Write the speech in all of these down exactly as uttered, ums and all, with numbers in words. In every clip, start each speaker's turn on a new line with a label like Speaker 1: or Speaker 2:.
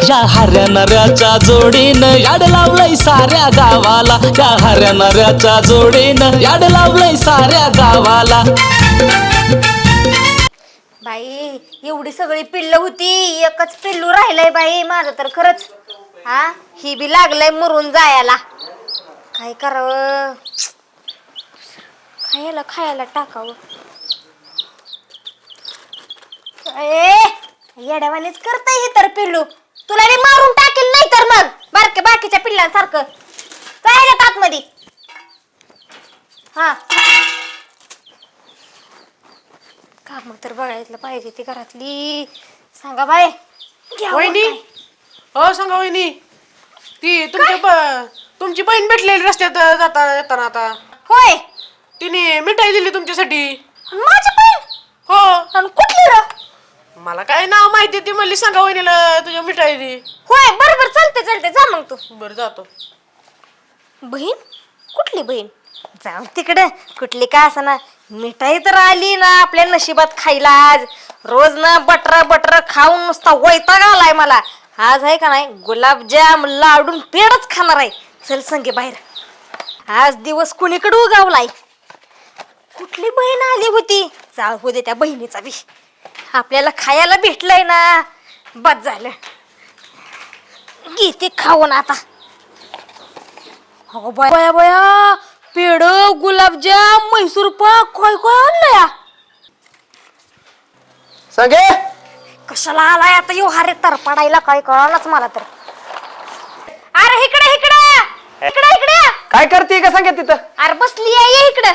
Speaker 1: या हऱ्या नऱ्याच्या जोडीनं याड लावलंय साऱ्या गावाला, या हऱ्या नऱ्याच्या जोडीनं याड लावलंय साऱ्या गावाला.
Speaker 2: बाई एवढी सगळी पिल्ल होती, एकच पिल्लू राहिलंय बाई माझं तर खरंच. हा ही बी लागलंय मरून जायला. काय करावं, खायला खायला टाकावं. ए येड्यावानीच करतय हे तर पिल्लू, तुला बी मारून टाकेल नाही तर मग बारके बाकीच्या पिल्लांसारखं. जायला आतमध्ये. हा काम तर बघायला पाहिजे ती घरातली. सांगा बाय
Speaker 3: वहिनी. हो सांगा वहिनी. ती तुमच्या तुमची बहीण भेटलेली रस्त्यात जाता येताना आता.
Speaker 2: होय
Speaker 3: तिने मिठाई दिली तुमच्यासाठी.
Speaker 2: माझी बहीण?
Speaker 3: हो.
Speaker 2: आणि कुठली र?
Speaker 3: मला काय नाव माहिती, ती म्हणली सांगा वहिनीला तुझ्या मिठाई दे.
Speaker 2: होय बरोबर चालते चालते जा मग तू.
Speaker 3: बरं जातो.
Speaker 2: बहीण? कुठली बहीण? जाऊ तिकडे कुठली का असना, मिठाई तर आली ना आपल्या नशिबात खायला. आज रोज ना बटर बटर खाऊन नुसता वैताग आलाय मला. आज आहे का नाही गुलाबजाम लाडून पेडच खाणार आहे. चल संगे बाहेर. आज दिवस कुणीकडे उगावलाय. कुठली बहीण आली होती? जाऊ हो दे त्या बहिणीचा बी. आपल्याला खायला भेटलंय ना, बस झालं. घेते खाऊन आता. हो बया बया, पेड गुलाबजाम म्हैसूर पाक काय काय आणलंय.
Speaker 4: संगे
Speaker 2: कशाला आलाय आता यो हारे तर पडायला, काय कळालंच मला तर. अरे इकडे इकडे इकडे इकडे
Speaker 4: काय करते का संगे तिथं?
Speaker 2: अरे बसली आहे ये इकडे.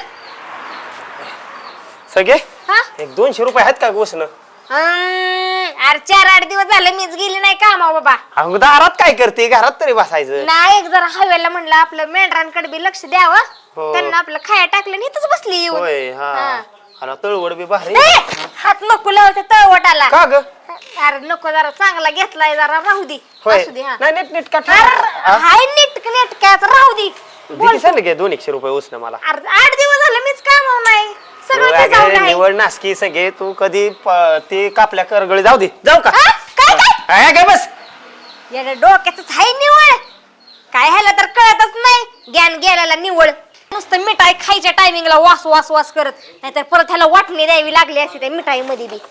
Speaker 4: संगे
Speaker 2: हा
Speaker 4: एक दोनशे रुपये आहेत का गोसनं?
Speaker 2: अरे चार आठ दिवस झाले मीच गेली नाही कामा बाबा.
Speaker 4: अगं दारात काय करते, घरात तरी बसायचं.
Speaker 2: नाही एक जरा हवेला म्हणलं आपलं मेंढरांकडे बी लक्ष द्यावं.
Speaker 4: हो.
Speaker 2: त्यांना आपलं खाया टाकलं आणि इथंच बसली येऊन.
Speaker 4: होय. हा आणि तळवड बी भारी.
Speaker 2: ए, हात नको लावते तळवटाला.
Speaker 4: का ग?
Speaker 2: अरे नको, जरा चांगला घेतलाय जरा राहू दे.
Speaker 4: होय.
Speaker 2: असू दे. हा
Speaker 4: नाही नीट नीट का
Speaker 2: अरे हाय नीट नेटक्याच राहू दे.
Speaker 4: दिली संगे दोन एकशे रुपये उसनं मला.
Speaker 2: अरे आठ दिवस झाले मीच कामाव नाही. सगळं ते जाऊन
Speaker 4: अगं,
Speaker 2: आहे.
Speaker 4: निवड नासकी संगे तू कधी प- ते कापल्या करगळी जाऊ दे. जाऊ का?
Speaker 2: हा? काय काय
Speaker 4: आहे काय बस.
Speaker 2: याला डोक्यातच हाय निवळ. काय ह्याला तर कळतच नाही. ज्ञान गेल्याला निवळ. नुसतं मिठाई खायच्या टायमिंगला वास वास वास करत, नाहीतर परत ह्याला वाटणी द्यावी लागली असती त्या मिठाई मध्ये बी.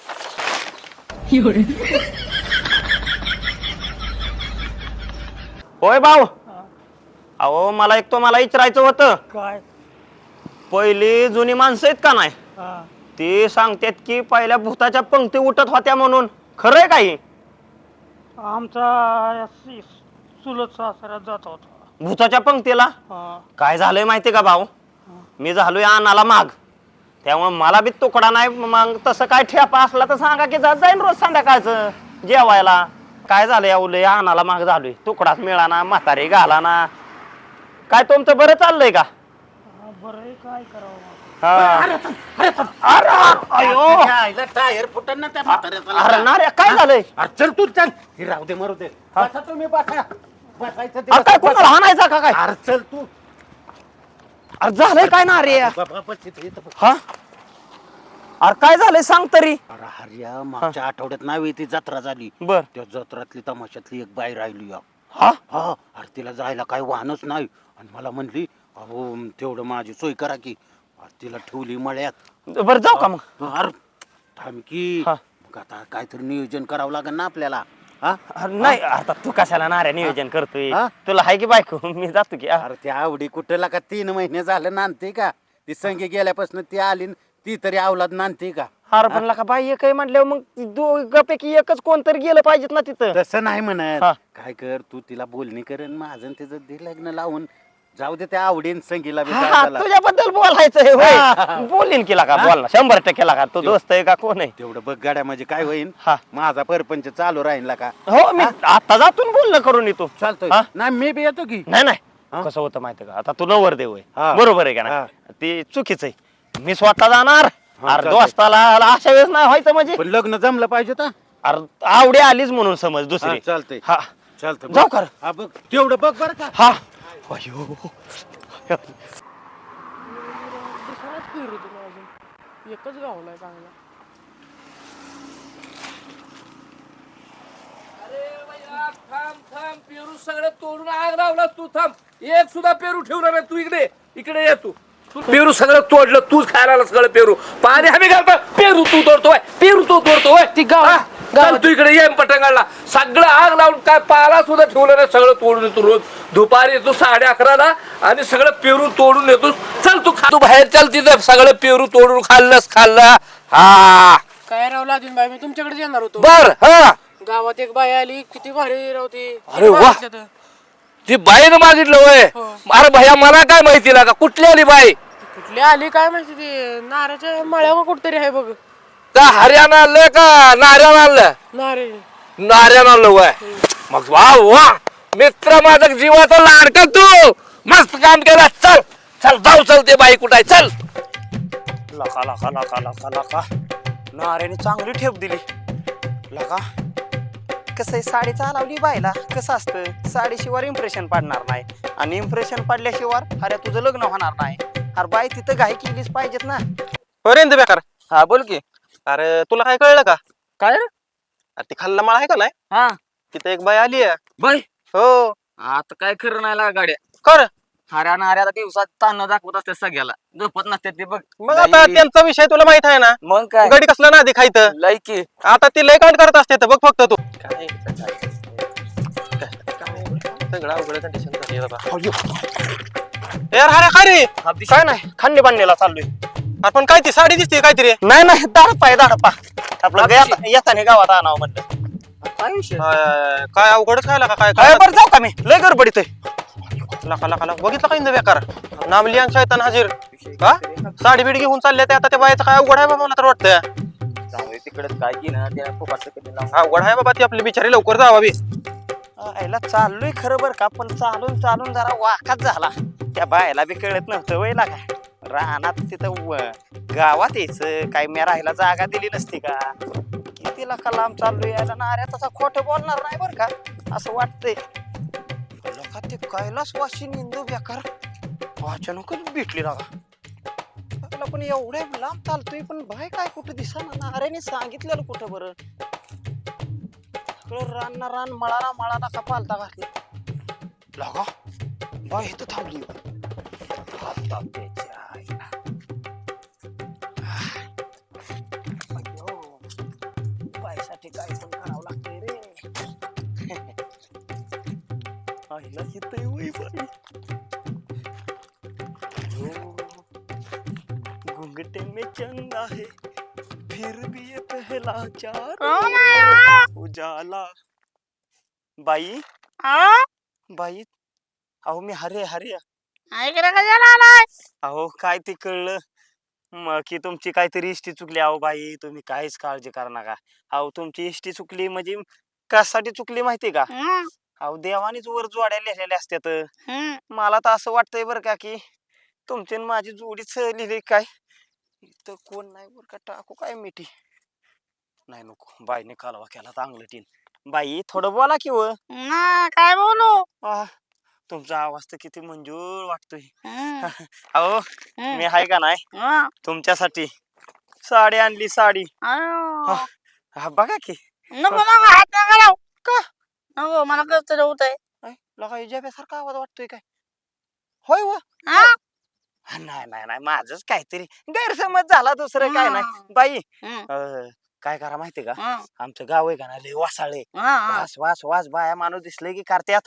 Speaker 4: होय भाऊ. अहो मला एक तो मला विचारायचं होतं.
Speaker 5: काय?
Speaker 4: पहिली जुनी माणसं आहेत का नाही, ती सांगतात की पहिल्या भूताच्या पंक्ती उठत होत्या म्हणून. खरंय काही?
Speaker 5: आमचा चुलत सासरा जात होता.
Speaker 4: भूताच्या पंक्तीला काय झालंय माहितीये का भाऊ, मी झालोय अन्नाला माग, त्यामुळे मला बी तुकडा नाही. मग तसं काय ठेपा असला तर सांगा की जात जाईन रोज संध्याकाळचं जेवायला. काय झालं या उलय अन्नाला माग झालोय, तुकडाच मिळाना, म्हातारी घालाना. काय तुमचं बरं चाललंय का?
Speaker 5: बरं काय करावं.
Speaker 6: टायर फुटन ना त्या म्हाताऱ्याचा.
Speaker 4: अरे ना रे काय झालंय?
Speaker 6: अरे चल तू चल, हे राहू दे मरू दे. बसा तुम्ही बसा. बसायचं ते
Speaker 4: अरे काय
Speaker 6: बसा.
Speaker 4: कोणाला हाणायचा का काय?
Speaker 6: अरे चल तू.
Speaker 4: अरे झालंय काय ना रे?
Speaker 6: बाबा, बस इथं, इथं बस.
Speaker 4: हा अरे काय झालंय सांग तरी.
Speaker 6: अरे हरिया मागच्या आठवड्यात नावी ती जत्रा झाली.
Speaker 4: बर.
Speaker 6: त्या जत्रातली तमाशातली एक बाई राहिली या.
Speaker 4: हा
Speaker 6: हा अरे तिला जायला काही वाहनच नाही, आणि मला म्हणली अहो तेवढं माझी सोय करा की. अरे तिला ठेवली मळ्यात.
Speaker 4: बर जाऊ का मग?
Speaker 6: अरे थांब की.
Speaker 4: हा.
Speaker 6: मग आता काहीतरी नियोजन करावं लागेल ना आपल्याला. हा
Speaker 4: अरे नाही आता तू कशाला नाऱ्या नियोजन करतोय?
Speaker 6: हा?
Speaker 4: तुला हाय की बायको, मी जातो की.
Speaker 6: अरे त्या आवडी कुठेला का तीन महिने झालं नांदते का? ती संगी गेल्यापासून ती आली न ती तरी अवलाद नांदते का?
Speaker 4: अरे पण का बाई एक म्हटल्यावर मग दोघांपैकी एकच कोणतरी गेलं पाहिजेत ना तिथं.
Speaker 6: तसं नाही म्हणत.
Speaker 4: हा.
Speaker 6: काय कर तू तिला बोलणी कर न माझं न तिचं दे लग्न लावून जाऊ दे. त्या आवडीन संगीला बी
Speaker 4: हा,
Speaker 6: जायला.
Speaker 4: तुझ्याबद्दल बोलायचंय
Speaker 6: हा.
Speaker 4: होय. बोलीन केला का? बोल ना, शंभर टक्के का तू दोस्त आहे का कोण आहे?
Speaker 6: तेवढं बघ गाड्या म्हणजे काय होईन.
Speaker 4: हा.
Speaker 6: माझा परपंच चालू राहील का?
Speaker 4: हो मी आता जातून बोलणं करून येतो.
Speaker 6: चालतोय.
Speaker 4: हा?
Speaker 6: नाही मी बी येतो की.
Speaker 4: नाही नाही
Speaker 6: हा?
Speaker 4: कसं होतं माहितीये का, आता तू नवर देव
Speaker 6: हा.
Speaker 4: आहे बरोबर आहे का
Speaker 6: हा.
Speaker 4: नाही? ते चुकीच आहे. मी स्वतः जाणार.
Speaker 6: हा,
Speaker 4: अरे
Speaker 6: चालतंय.
Speaker 4: दोस्ताला अशा वेळेस नाही व्हायचं म्हणजे.
Speaker 6: पण लग्न जमलं पाहिजे तर.
Speaker 4: अरे आवडी आलीच म्हणून समज दुसरी.
Speaker 6: चालतंय.
Speaker 4: हा
Speaker 6: चालतं
Speaker 4: जाऊ कर.
Speaker 6: हा बघ तेवढं बघ बरं का.
Speaker 4: हा अयो
Speaker 3: एकच गावलाय चांगला.
Speaker 7: अरे पेरू सगळं तोडून आग लावला तू. थांब, एक सुद्धा पेरू ठेवणार नाही. तू इकडे इकडे ये. तू तू पेरू सगळं तोडलं, तूच खायला आला सगळं पेरू. पाणी हमी घालता, पेरू तू तोडतोय, पेरू तू तोडतोय.
Speaker 3: ती गाव-
Speaker 7: हा?
Speaker 3: गावात-
Speaker 7: चल तू इकडे ये पटंगाला. सगळं आग लावून काय पाला सुद्धा ठेवलं नाही, सगळं तोडून येतो. रोज दुपारी येतो साडे अकराला आणि सगळं पेरू तोडून येतो. चल तू खा, तू बाहेर चल, तिथं सगळं पेरू तोडून खाल्लंस खाल्लं. हा
Speaker 3: काय राव लाजून बाई, मी तुमच्याकडे येणार होतो.
Speaker 7: बर. हा
Speaker 3: गावात एक बाई आली, किती भारी राहते.
Speaker 7: अरे वा. ती बाईनं मागितलं वय.
Speaker 3: हो.
Speaker 7: अरे भैया मला काय माहिती लागा कुठली आली बाई.
Speaker 3: कुठली आली काय माहिती, ती नाऱ्याच्या मळ्यावर कुठतरी आहे बघ.
Speaker 7: का हरियाणा आणलं का नार्यानं आणलं.
Speaker 3: नारे
Speaker 7: नार्यानं आणलं वय. मग वा वा मित्र माझा जीवाचा लाडका तू. मस्त काम केलं. चल चल जाऊ, चल ते बाई कुठं आहे चल.
Speaker 4: लका लका लका लका लका नाऱ्याने चांगली ठेप दिली. लका कसं आहे, साडी चालवली बायला कसं असतं, साडीशिवाय इम्प्रेशन पडणार नाही आणि इम्प्रेशन पडल्याशिवाय अरे तुझं लग्न होणार नाही. अरे बाई तिथं घाई केलीच पाहिजेत ना.
Speaker 8: पर्यंत बेकार.
Speaker 4: हा बोल की.
Speaker 8: अरे तुला काय कळलं का?
Speaker 4: काय
Speaker 8: अरे ती खाल्ला माळ आहे का नाही,
Speaker 4: हा
Speaker 8: तिथे एक बाई आली आहे.
Speaker 4: बाई
Speaker 8: हो.
Speaker 4: आता काय खरं नाही लागा गाड्या.
Speaker 8: कर.
Speaker 4: हऱ्या नाऱ्याला दिवसात ताण दाखवत असते सगळ्याला, झोपत नसते ते बघ.
Speaker 8: मग आता त्यांचा विषय तुला माहित आहे ना.
Speaker 4: मग काय
Speaker 8: गडी कसला ना आधी खायचं.
Speaker 4: लायकी
Speaker 8: आता ती लय कांड करत असते तर बघ फक्त तू. काय सगळं अवघड कंडिशन झाली आहे बाबा. यार अरे काय रे?
Speaker 4: काय नाही खांडे बांधलेला चाललोय.
Speaker 8: आपण काय ती साडी दिसते काहीतरी.
Speaker 4: नाही नाही दाडपा आहे दाडपा. आपलं येता- येताना गावात आणावं म्हणलं. काय विषय
Speaker 8: काय काय अवघडच खायला का काय
Speaker 4: काय
Speaker 8: काय
Speaker 4: बरं जाऊ का मी लय गडबडीत आहे.
Speaker 8: लका लका लका बघितलं का इंद बेकार नामली आणि शैतान हाजीर. का साडी बीड घेऊन चालले ते आता त्या बायचं काय अवघड आहे बाबा मला तर वाटतं.
Speaker 4: तिकडे काय की ना त्या फुकटचं कधी लावून.
Speaker 8: अवघड आहे बाबा ती आपली बिचारी लवकर जावा बी.
Speaker 4: आईला चाललोय खरं बरं का, पण चालून चालून जरा वाकाच झाला. त्या बायला बी कळत नव्हतं वयला का रानात तिथं व- गावात यायचं काय मी राहायला जागा दिली नसती का. किती लाखा लांब चाललोय यायला नाऱ्या तसा खोटं बोलणार नाही बरं का असं वाटतंय. लोका ते कैलास वाशी निंदू बेकार अचानकच भेटली लागा. त्याला पण एवढ्या लांब चालतोय पण बाय काय कुठं दिसाना. नाऱ्याने सांगितलेलं कुठं बरं. रान रान मळाला मळाला का पालता घातला लागा. बाय इथं थांबली. आता त्याच्या आईला. अय्यो, बाईसाठी काय पण करावं लागतंय रे. आईला इथं वय बाई. अय्यो, घुंघटे में चंदा है फिर भी ये पहला चार उजाला. बाई बाई अहो मी हरे हरे अहो काय ते कळलं मग की तुमची काहीतरी इष्टी चुकली. अहो बाई तुम्ही काहीच काळजी करा नका. अहो तुमची इष्टी चुकली म्हणजे कशासाठी चुकली माहिती का. अहो देवानीच वर जोड्या लिहिलेल्या असत्यात. मला तर असं वाटतंय बरं का की तुमची आणि माझी जोडीच लिहिली काय. इथं कोण नाही बरं का टाकू काय मिठी. नाही नको बाईने कालवा केला चांगलं टीन. बाई थोडं बोला की व.
Speaker 2: काय बोलू
Speaker 4: आह, तुमचा आवाज तर किती मंजूर वाटतोय. अहो मी हाय का नाही तुमच्यासाठी साडी आणली साडी. हा, हा, बघा की.
Speaker 2: नको नको हात नका लावू. का नको मला कसं होत आहे.
Speaker 4: लगा सारखा आवाज वाटतोय काय. होय व. नाही नाही नाही माझच काहीतरी गैरसमज झाला दुसरं काय नाही. बाई अं, काय करा माहितीये का आमचं गाव आहे का ना लय वासाळे. वास वास वास बाया माणूस दिसले की करत्यात.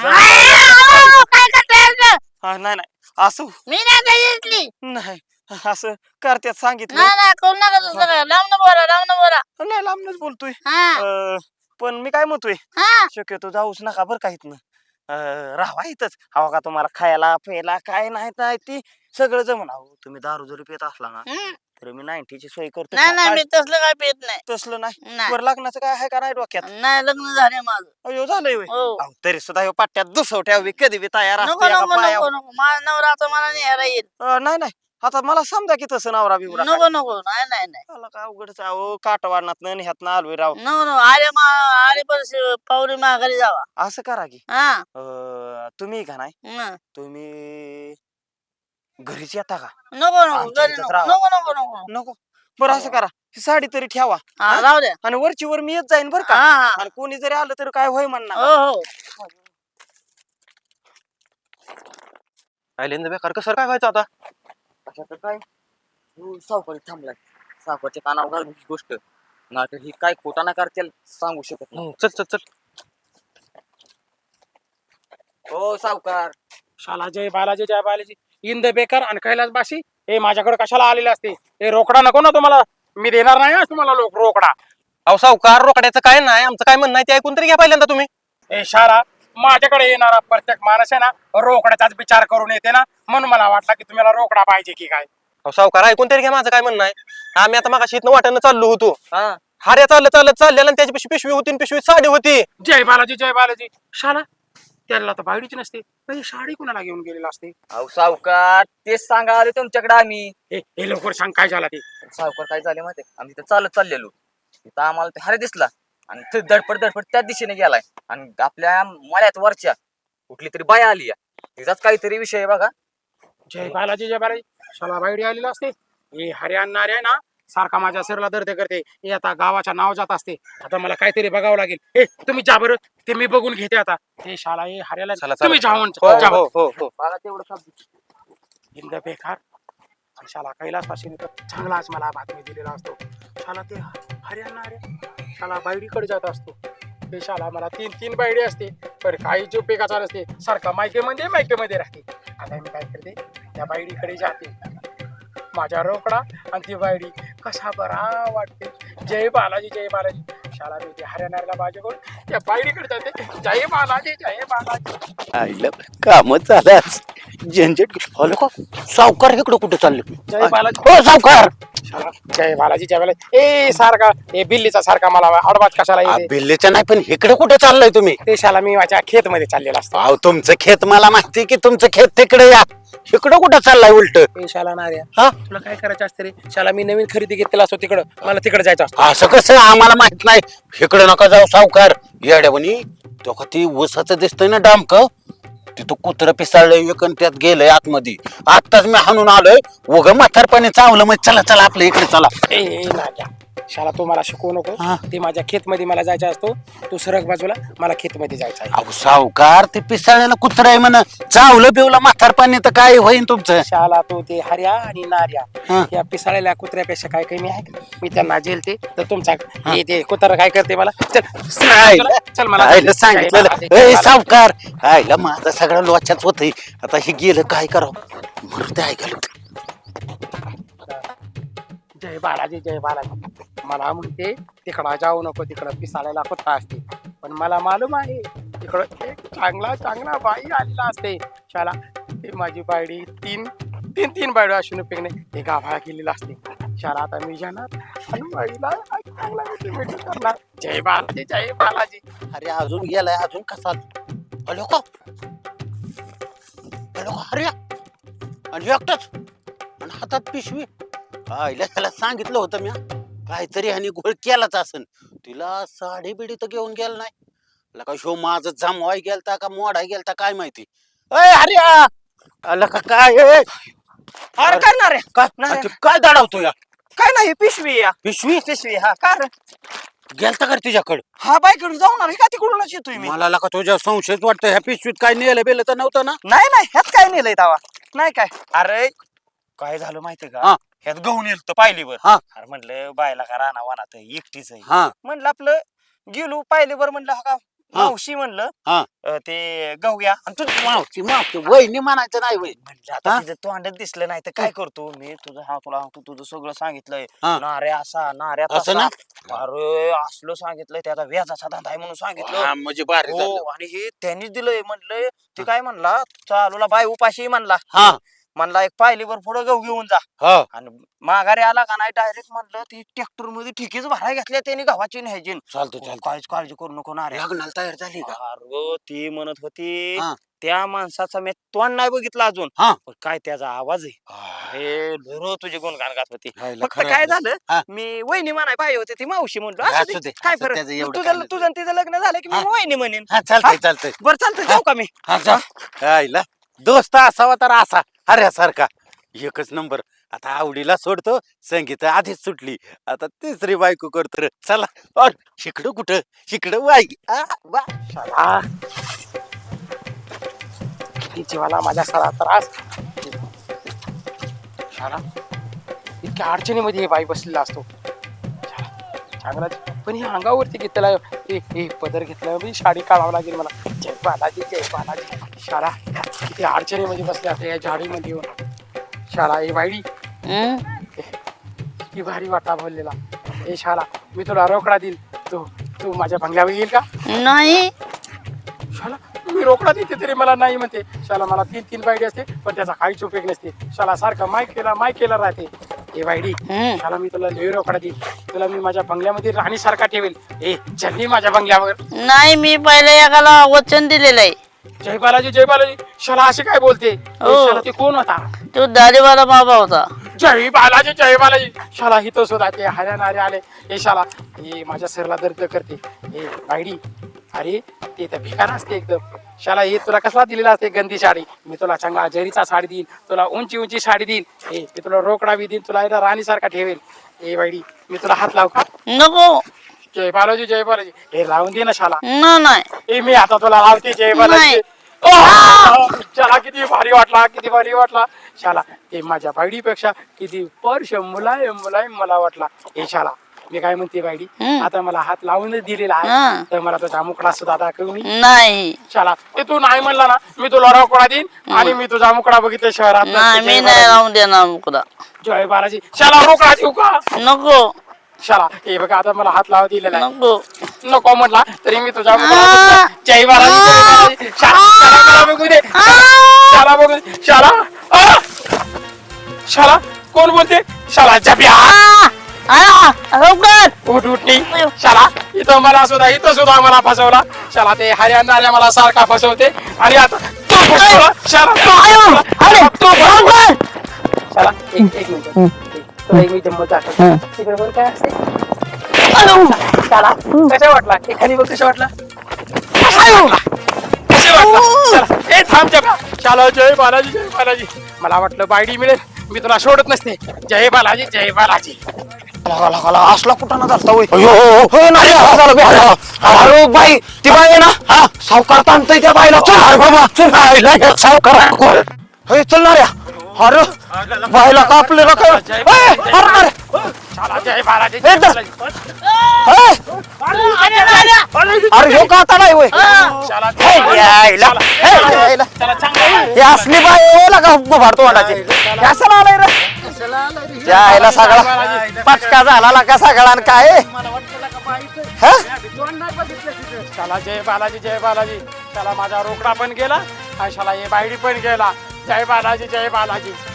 Speaker 4: हा, नाही नाही असं
Speaker 2: मी नाही
Speaker 4: नाही असं करत्यात सांगितलं.
Speaker 2: करू नका दुसरं लांब बोला लांब बोला.
Speaker 4: नाही लांबनच बोलतोय.
Speaker 2: हा
Speaker 4: अं, पण मी काय म्हणतोय
Speaker 2: हा
Speaker 4: शक्यतो जाऊच नका बरं का इथनं. राहा इथंच. हवा का तुम्हाला खायला प्यायला काय नाही नाही ती सगळं जमून. अहो तुम्ही दारू जरी पित असला ना तर मी नाईन्टीची सोय करतो.
Speaker 2: नाही नाही मी तसलं काय पित नाही.
Speaker 4: तसलं नाही.
Speaker 2: नाही.
Speaker 4: बरं लग्नाचं काय आहे का नाही डोक्यात.
Speaker 2: नाही लग्न झाले माझं.
Speaker 4: अयो झालंय होय.
Speaker 2: हो
Speaker 4: अहो, तरी सुद्धा ह्यो पाट्यात दुसव ठेवी कधी बी तयार
Speaker 2: नको
Speaker 4: असते एका
Speaker 2: नको
Speaker 4: पायावर.
Speaker 2: नको नको माझा नवरा आता मला न्यायला येईल.
Speaker 4: अं, नाही नाही आता मला समजा की तसं नवरा बिवरा काय.
Speaker 2: नको नको नाही नाही नाही
Speaker 4: मला काय अवघडच आहे. अहो काटवाडनात ह्यातनं आलोय राव.
Speaker 2: नको नको आले मा आले पण पावरी माघारी जावा.
Speaker 4: असं करा की
Speaker 2: हा
Speaker 4: अं, तुम्ही का नाही
Speaker 2: हं.
Speaker 4: तुम्ही घरीच येता का.
Speaker 2: नको नको
Speaker 4: आमच्या
Speaker 2: घरी
Speaker 4: इथंच
Speaker 2: नको
Speaker 4: राहा.
Speaker 2: नको नको नको
Speaker 4: नको बरं असं करा ही साडी तरी ठेवा
Speaker 2: हा राहू द्या.
Speaker 4: आणि वरची वर मी येत जाईन बरं का.
Speaker 2: हा हा
Speaker 4: आणि कोणी जरी आलं तरी काय होय म्हणणार.
Speaker 2: हो हो
Speaker 8: आयलेंद बेकार कसं काय व्हायचं आता?
Speaker 9: कशाचं काय हो सावकारी थांबलाय सावकारच्या कानावर घालून ही गोष्ट नाहीतर ही काय खोटा ना करतील सांगू शकत नाही.
Speaker 8: हम्म, चल चल चल.
Speaker 9: हो सावकार
Speaker 5: शाला जय बालाजी जय बालाजी इंद बेकार आणि कैलास बाशी हे माझ्याकडे कशाला आलेले असते हे रोकडा नको ना तुम्हाला मी देणार नाही हं तुम्हाला लोक रोकडा
Speaker 8: अहो सावकार रोकड्याचं काय नाही आमचं काय म्हणणं आहे ते ऐकून तरी घ्या पहिल्यांदा तुम्ही.
Speaker 5: हे शाला माझ्याकडे येणारा प्रत्येक माणूस आहे ना रोकड्याचाच विचार करून येते ना म्हणून मला वाटलं की तुम्हाला रोकडा पाहिजे की काय.
Speaker 8: अहो सावकार ऐकून तरी घ्या माझं काय म्हणणं आहे. आम्ही आता मागाशी इथनं वाटेनं चाललो होतो.
Speaker 9: हा
Speaker 8: हार्या चालत चालत चाललेला आणि त्याची पिशवी पिशवी होती आणि पिशवीत साडी होती.
Speaker 5: जय बालाजी जय बालाजी शाला त्याला तर बायडीची नसते तर ही साडी कुणाला घेऊन गेलेला असते.
Speaker 9: अहो सावकार तेच सांगा आले तुमच्याकडे आम्ही.
Speaker 5: हे हे लवकर सांग काय झाला ते.
Speaker 9: सावकार काय झाले माहिती आम्ही तिथं चालत चाललेलो तिथं आम्हाला ते हरे दिसला आणि ते धडपड धडपड त्याच दिशेने गेलाय आणि आपल्या मळ्यात वरच्या कुठली तरी बाया आली तिचाच काहीतरी विषय आहे बघा.
Speaker 5: जय बालाजी जय बालाजी शाला बायडी आलेला असते हे हरे आणणारे आहे ना सारखा माझ्या सिरला दर्द करते हे आता गावाच्या नाव जात असते आता मला काहीतरी बघावं लागेल. हे तुम्ही जा बरं ते मी बघून घेते आता हे शाला हे हऱ्याला
Speaker 8: चला,
Speaker 5: तुम्ही
Speaker 8: चला.
Speaker 5: जाऊन
Speaker 8: हो,
Speaker 5: जा
Speaker 8: हो, हो, हो.
Speaker 9: बघा तेवढं शब्द
Speaker 5: इंद बेकार आणि शाला कैलास पाशी चांगलाच मला बातमी दिलेला असतो शाला ते हरियाणा अरे शाला बायडीकडे जात असतो ते शाला मला तीन तीन बायडी असते पण काही जो पेकाचा नसते सारखा मायकेमध्ये मायकेमध्ये राहते. आता मी काय करते त्या बायडीकडे जाते माझ्या रोकडा आणि ती बायडी कसा बरा वाटते. जय बालाजी जय बालाजी शाला मी ते हरियाणाला बाजू करून त्या बायडीकडे जाते जय बालाजी जय बालाजी.
Speaker 6: आईला कामच झालं आज. झंझट हॅलो का सावकार इकडं कुठं चालले?
Speaker 5: जय बालाजी
Speaker 6: हो सावकार.
Speaker 5: शाला, जय बालाजी जय बालाजी ए सारखा ए बिल्लीचा सारखा मला अडवाज कशाला
Speaker 6: आ,
Speaker 5: येते.
Speaker 6: बिल्लीचं नाही पण इकडे कुठे चाललाय तुम्ही?
Speaker 5: ते शाला मी माझ्या खेत मध्ये चाललेला असतो.
Speaker 6: अहो तुमचं खेत मला माहिती की तुमचं खेत तिकडे या इकडं कुठं चाललाय उलट?
Speaker 5: ए शाला नार्या
Speaker 6: हा
Speaker 5: तुला काय करायचं असतं रे शाला मी नवीन खरेदी घेतलेला असतो तिकडं मला तिकडे जायचं असतं.
Speaker 6: असं कसं आम्हाला माहित नाही. इकडे नका जाऊ सावकार येड्यावणी तो का ती ऊसाचं दिसतंय ना डामक तिथं कुत्र पिसाळलंय एक आणि त्यात गेलंय आतमध्ये. आत्ताच मी हाणून आलोय उग म्हातारपणे चावलं मग चला चला आपल्या इकडे चला.
Speaker 5: ए ए, नार्या शाला तू मला शिकवू नको
Speaker 6: हा.
Speaker 5: ते माझ्या खेत मध्ये मला जायचं असतो तू सरक बाजूला मला खेत मध्ये जायचं आहे.
Speaker 6: अहो सावकार ते पिसाळ्याला कुत्र आहे म्हण चावलं बिवलं म्हातारपणे तर काय होईन तुमचं?
Speaker 5: शाला तू ते हर्या आणि
Speaker 6: हा.
Speaker 5: नार्या या पिसाळलेल्या कुत्र्यापेक्षा काय कमी आहे का? मी त्यांना झेलते तर तुमचा हे ते कुत्रा काय करते मला चल
Speaker 6: आईला
Speaker 5: चल मला
Speaker 6: आईला सांगितलं
Speaker 5: जय
Speaker 6: ए
Speaker 5: बालाजी.
Speaker 6: सावकार आईला माझा सगळा लोचाच होतय आता हे गेलं काय करावं मरू ते ऐकायला.
Speaker 5: जय बालाजी जय बालाजी मला म्हणते तिकडं जाऊ नको तिकडं पिसाळायला कुत्रा असते पण मला मालूम आहे तिकडं एक चांगला चांगला बाई आलेला असते. शाला ते माझी बायडी तीन तीन तीन बायडी असून उपयोग नाही ते गाभाळा केलेला असते. शाला आता मी जाणार आणि बाईला चांगला मिठी करणार. जय बालाजी जय बालाजी.
Speaker 6: अरे अजून गेलाय अजून कसा हॅलो का हॅलो अरे आणि एकटाच आणि हातात पिशवी आईला त्याला सांगितलं होतं मी काहीतरी ह्यानी घोळ केलाच असन. तिला साडी बिडी तर घेऊन गेला नाही लका शो माझं जमवाय गेलता का मोडाय गेलता काय माहिती. अय अरे आला का काय ए?
Speaker 9: अरे काय ना रे
Speaker 6: काय
Speaker 9: नाही.
Speaker 6: अरे काय दडावतो या
Speaker 9: काय नाही पिशवी या
Speaker 6: पिशवी
Speaker 9: पिशवी हा का रे
Speaker 6: गेलता का तुझ्याकडे?
Speaker 9: हा बाईकडून जाऊन का तिकडूनच येतोय मी.
Speaker 6: मला लका तुझ्या संशयच वाटतं ह्या पिशवीत काय नेलं बेलं तर नव्हतं ना?
Speaker 9: नाही नाही ह्यात काय नेलंय तवा नाही काय. अरे काय झालं माहितीये
Speaker 6: हा.
Speaker 9: का ह्यात गहू नेलं पाहिलीवर.
Speaker 6: हा.
Speaker 9: अरे म्हटलं बायला का राणा वानात एकटीच आहे
Speaker 6: हा
Speaker 9: म्हणलं आपलं गेलो पाहिलीवर म्हणलं हा का
Speaker 6: हा.
Speaker 9: मावशी म्हणलं
Speaker 6: हा.
Speaker 9: अं, ते गहू घ्या आणि तू
Speaker 6: मावशी मावशी वहिनी म्हणायचं नाही वय
Speaker 9: म्हणलं आता
Speaker 6: हा?
Speaker 9: तिचं तोंडात दिसलं नाही तर काय करतो मी तुझं हा तुला तू तुझं सगळं सांगितलंय
Speaker 6: हा.
Speaker 9: नारे असा नाऱ्या
Speaker 6: असं
Speaker 9: तसा.
Speaker 6: ना?
Speaker 9: अरे असलं सांगितलंय त्याचा व्याजाचा धंदा आहे म्हणून सांगितलं.
Speaker 6: हा, म्हणजे भारी
Speaker 9: हो
Speaker 6: झालं.
Speaker 9: आणि हे त्यांनीच दिलंय म्हणलंय ते काय म्हणला चालूला बाय उपाशी म्हणला
Speaker 6: हा
Speaker 9: म्हणला एक पायलीवर पुढं गहू घेऊन जा
Speaker 6: हा
Speaker 9: आणि माघारी आला का नाही डायरेक्ट म्हणलं ती ट्रॅक्टर मध्ये ठिकीच भराय घेतल्या त्यांनी गव्हाची न्यायची.
Speaker 6: चालतो चालतो
Speaker 9: काहीच काळजी करू नको ना रे.
Speaker 6: लग्नाला तयार झाली का?
Speaker 9: अरे ती म्हणत होती
Speaker 6: हा.
Speaker 9: त्या माणसाचा मी तोंड नाही बघितलं अजून
Speaker 6: हा.
Speaker 9: पण काय त्याचा आवाज आहे अरे ढोरो तुझे गुणगान गात होती.
Speaker 6: हायला
Speaker 9: फक्त
Speaker 6: खरं
Speaker 9: काय
Speaker 6: आहे. हा.
Speaker 9: झालं मी वहिनी म्हणाय पाहिजे होते ती मावशी म्हणलो असू
Speaker 6: असू
Speaker 9: दे,
Speaker 6: दे,
Speaker 9: काय
Speaker 6: असू
Speaker 9: फरक
Speaker 6: त्याचं एवढं
Speaker 9: तुझं
Speaker 6: काय नाही.
Speaker 9: तुझं आणि तिचं लग्न झालं की मी
Speaker 6: हा.
Speaker 9: वहिनी म्हणेन.
Speaker 6: हा चालतंय चालतंय
Speaker 9: बरं चालतं जाऊ का मी.
Speaker 6: हा जा आईला दोस्त असावा तर असा हऱ्यासारखा एकच नंबर. आता आवडीला सोडतो संगीत आधीच सुटली आता तिसरी बायको करतो रे. चला अर, शिकडं कुठं शिकडं बाई आ, वा.
Speaker 5: शाला किती जीवाला माझ्या सारा त्रास शाला इतक्या अडचणीमध्ये हे बाई बसलेला असतो शाला, चांगला पण हे अंगावरती घेतला हे हे पदर घेतला मी साडी काढावं लागेल मला. जय बालाजी जय बालाजी. शाला किती अडचणीमध्ये बसले असते या झाडीमध्ये येऊन. शाला हे बाईडी किती भारी वाटा बोललेला. ए शाला मी तुला रोकडा देईल, तू तू माझ्या बंगल्यावर येईल का?
Speaker 10: नाही.
Speaker 5: शाला मी रोकडा देते तरी मला नाही म्हणते. शाला मला तीन तीन बायडी असते पण त्याचा काहीच उपयोग नसते. शाला सारखा माय केला माय केला राहते. ए बायडी शाला मी तुला लई रोकडा देईल, तुला मी माझ्या बंगल्यामध्ये राणी सारखा ठेवेल. ए चल माझ्या बंगल्यावर.
Speaker 10: नाही, मी पहिले एकाला वचन दिलेलं आहे.
Speaker 5: जय बालाजी जय बालाजी. शाला असे काय बोलते? ए, शाला ते कोण होता?
Speaker 10: तो दाढीवाला बाबा होता.
Speaker 5: जय बालाजी जय बालाजी. शाला हिथं सुद्धा ते हरियाणारे आले. ए शाला हे माझ्या सरला दर्द करते. ए बायडी अरे ते तर भिकार असते एकदम. शाला हे तुला कसला दिलेला असते गंदी साडी. मी तुला चांगला जरीचा साडी देईन, तुला उंची उंची साडी देईन. ए ते तुला रोकडा बी देईन, तुला एकदा राणी सारखा ठेवेल. ए बायडी मी तुला हात लावू का?
Speaker 10: नको.
Speaker 5: जय बालाजी जय बालाजी. हे लावून दे ना शाला.
Speaker 10: न नाही.
Speaker 5: ए मी आता तुला लावते जय बालाजी.
Speaker 10: नाही.
Speaker 5: ओह! शाला किती भारी वाटला किती भारी वाटला. शाला ते माझ्या बायडीपेक्षा किती पर्श मुलायम मुलायम मला वाटला. ए शाला मी काय म्हणते बायडी, आता मला हात लावूनच दिलेला आहे
Speaker 10: हं.
Speaker 5: तर मला तुझा मुकडा सुद्धा दाखव मी.
Speaker 10: नाही.
Speaker 5: शाला ते तू नाही म्हणला ना मी तुला रोकडा देईन आणि मी तुझा मुकडा बघितले शहरात.
Speaker 10: नाही, मी नाही राहून देणार मुकदा.
Speaker 5: जय बालाजी. शाला रोकडा देऊ का?
Speaker 10: नको.
Speaker 5: शाला हे बघा आता मला हात लावा दिलेला आहे.
Speaker 10: नको.
Speaker 5: नको म्हटला तरी मी तुझा मुकडा. जय बालाजी जय बालाजी. शाला शाला मला बघू दे. शाला बघू दे. शाला आ! शाला कोण बोलते? शाला जब्या. उठ उठणी. शाला इथं मला सुद्धा इथं सुद्धा मला फसवला. शाला ते हरियाणा मला सारखा फसवते आणि आता तो फसवला. शाला तो- तो फसवला. शाला एक एक मिनिट तुला एक मी गंमत दाखवतो. तिकडे बघ काय असते. शाला कशा वाटला? एखादी बघ कशा वाटला? कशा वाटला? कशा वाटला? शाला, ए थांब जब्या. शाला जय बालाजी जय बालाजी. मला वाटलं बायडी मिळेल मी तुला सोडत नसते. जय बालाजी जय बालाजी.
Speaker 4: असला कुठं ना चालता होय. अरे बाई ती बाई आहे ना सावकार ताणतय त्या बाईला. चल बाबा सावकार हे चलणाऱ्या. अरे बाईला कापलेला काय?
Speaker 5: शाला जय बालाजी
Speaker 4: ए,
Speaker 5: जय
Speaker 4: तर-
Speaker 5: बालाजी.
Speaker 4: अरे हो का आता नाही होय.
Speaker 5: शाला
Speaker 4: हे, यायला. हे, यायला.
Speaker 5: त्याला चांगलं
Speaker 4: हे असली बाई यायला का भाडतो वाटायची कसं आलाय रे? यायला सगळा पटका झाला का सगळा आणि काय हा?
Speaker 5: शाला जय बालाजी जय बालाजी. शाला माझा रोकडा पण गेला आणि शाला हे बायडी पण गेला. जय बालाजी जय बालाजी.